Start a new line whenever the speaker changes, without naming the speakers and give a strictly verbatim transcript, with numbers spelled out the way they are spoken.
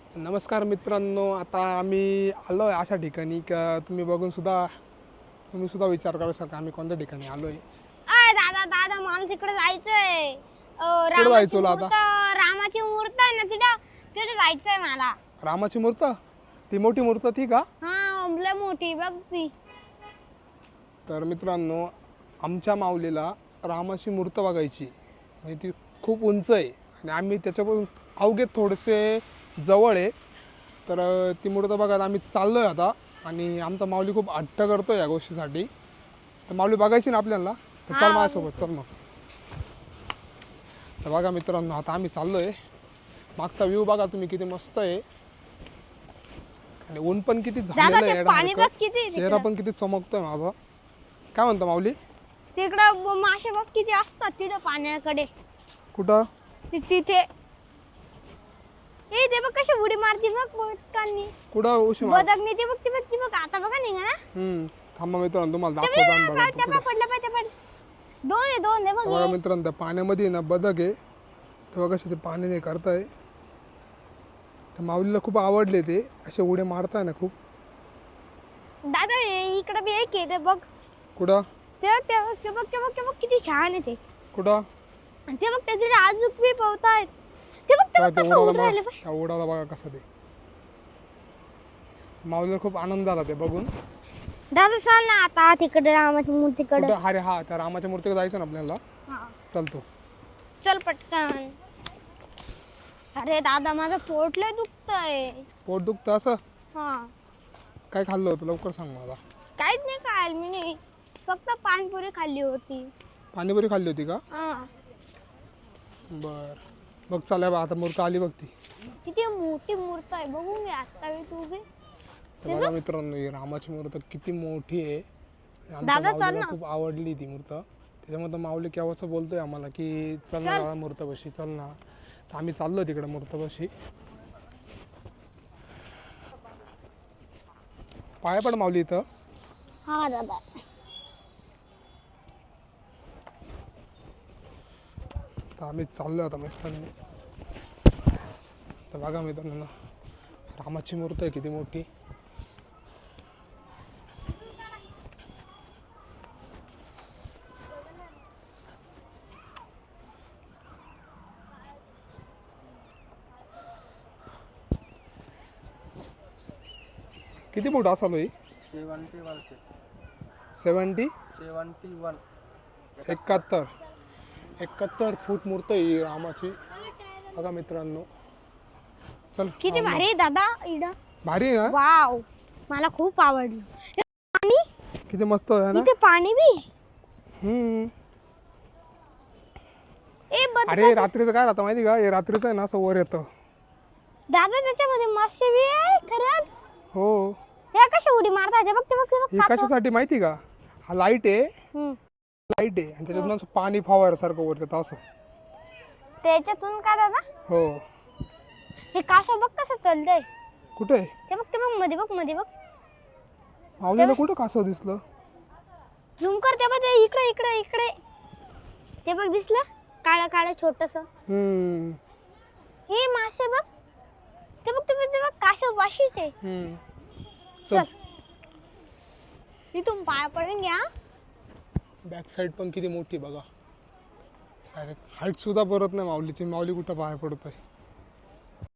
नमस्कार मित्रांनो, आता आम्ही आलो आहे अशा ठिकाणी का तुम्ही बघून सुद्धा तुम्ही सुद्धा विचार करू शकता आम्ही कोणत्या ठिकाणी आलो आहे.
अय दादा दादा मला तिकडे जायचंय. अ,
कुठं जायचं
रामाची
तुला आता?
मूर्त रामाची मूर्त आहे ना तिथं तिथे जायचंय मला.
रामाची मूर्त, ती मोठी मूर्त ती का?
हा लय मोठी बघ ती.
तर मित्रांनो, आमच्या माऊलीला रामाची मूर्त बघायची, म्हणजे ती खूप उंच आहे आणि आम्ही त्याच्यापासून अवघे थोडेसे जवळ आहे. तर अ, ती मूर्त बघायला आम्ही चाललो आहे आता आणि आमचा माऊली खूप हट्ट करतो या गोष्टीसाठी. तर माऊली बघायची ना आपल्याला, तर चल
हा,
माझ्यासोबत चल मग. तर बघा मित्रांनो, आता आम्ही चाललो आहे. मागचा व्ह्यू बघा तुम्ही किती मस्त आहे आणि ऊन पण किती
दादा
झालेलं
ते
आहे
पाणी बघ
येड्यासारखं.
किती
चेहरा पण किती चमकतोय माझा. काय म्हणतो माऊली?
तिकडं ब- मासे बघ किती असतात तिथं पाण्याकडे.
कुठं?
ति- तिथे ए ते बघ कशी उडी मारती बघ बदकांनी.
कुठं उशी मार?
बदकनी ती बघ ती बघ ती बघ आता बघा निघा ना.
हम्म थांबा मित्रांनो, तुम्हाला
ते
दाखवतो आम्ही.
बघ,
बघा
त्या
तो
बघ,
कुठं.
पडलं पाहिजे पडलं. दोन आहे दोन आहे बघ
बघा
हे.
मित्रांनो, त्या पाण्यामध्ये आहे ना बदक आहे. तेव्हा कसे ते पाण्याने करताय. तर माऊलीला खूप आवडले ते असे उड्या मारताय ना खूप.
दादा हे इकडं बी एक आहे ते बघ.
कुठं
ते बघ ते बघ ते बघ ते बघ ते बघ किती छान आहे ते.
कुठं?
आणि ते बघ त्याचे अजून बी पवतायत. ते बघ ते
तेव्हा
बघ
ते
कसं
उडाला
उडून राहिलं
बघा,
बघ.
त्या उडाला बघा कसं ते. माऊलीला खूप आनंद झाला ते बघून.
दादा चल ना आता तिकडे रामाची मूर्तीकडे.
कुठं? अरे हा, त्या रामाच्या मूर्तीकडे जायचं ना आपल्याला.
हा.
चालतो.
चल पटकन. अरे दादा माझं पोट लय दुखतंय.
पोट दुखतं असं?
हा
काय खाल्लं होतं लवकर सांग मला.
काहीच नाही खायला मी नाही. फक्त पानपुरी खाल्ली होती.
पाणीपुरी खाल्ली होती का?
हा
बर बघ चालेल बा, आता मूर्त आली बघ ती.
किती मोठी मूर्त आहे बघून घे आता मी तू बी.
तर बघा मित्रांनो, ही रामाची मूर्त किती मोठी आहे. आणि आमच्या
दादा, चल
माऊलीला
ना.
खूप आवडली ती मूर्त. त्याच्यामुळे तर माऊली केव्हाच बोलतोय आम्हाला की चल ना
चल.
दादा मूर्तपाशी चल ना. तर आम्ही चाललो तिकडे मूर्तपाशी. पाया पड माऊली इथं.
हा दादा.
तर आम्ही चाललो आता मित्रांनो. तर बघा मित्रांनो, रामाची मूर्त आहे किती मोठी. किती फूट असाल ही?
Seventy one
seventy
seventy one
एकाहत्तर एकाहत्तर फूट मूर्त आहे ही रामाची. बघा मित्रांनो, चल.
किती
राम-
भारी आहे दादा इकडं.
भारी आहे ना?
वाव मला खूप आवडलं. पाणी
किती मस्त आहे ना?
इथे पाणी बी.
हम्म.
ए बद
अरे रात्रीचं काय राहतं माहिती का? हे रात्रीचं आहे ना असं वर येतं.
दादा त्याच्यामध्ये मासे बी आहे खरंच.
हो.
हे कशी उडी मारतात ते बघ ते बघ ते बघ
हे
कासव.
कशासाठी माहिती का? हा लाईट आहे.
हम्म.
लाईट आहे आणि त्याच्यातून असं पाणी फवाऱ्यासारखं वर येतं असं.
त्याच्यातून का दादा
हो.
हे कासव बघ कसं चालतंय.
कुठे?
ते बघ ते बघ मध्ये बघ मध्ये बघ.
माऊलीला कुठं कासव दिसलं?
झूम कर ते बघ ते इकडे इकडे इकडे. ते बघ दिसलं काळं काळं छोटस.
हम्म.
हे मासे बघ. ते बघ ते बघ ते बघ कासव पाशीच आहे.
हम्म.
चल इथून पाया पडून घ्या.
बॅक साईड पण किती मोठी बघा. अरे हाईट सुद्धा परत नाही माऊलीची. माऊली कुठं पाया पडतोय.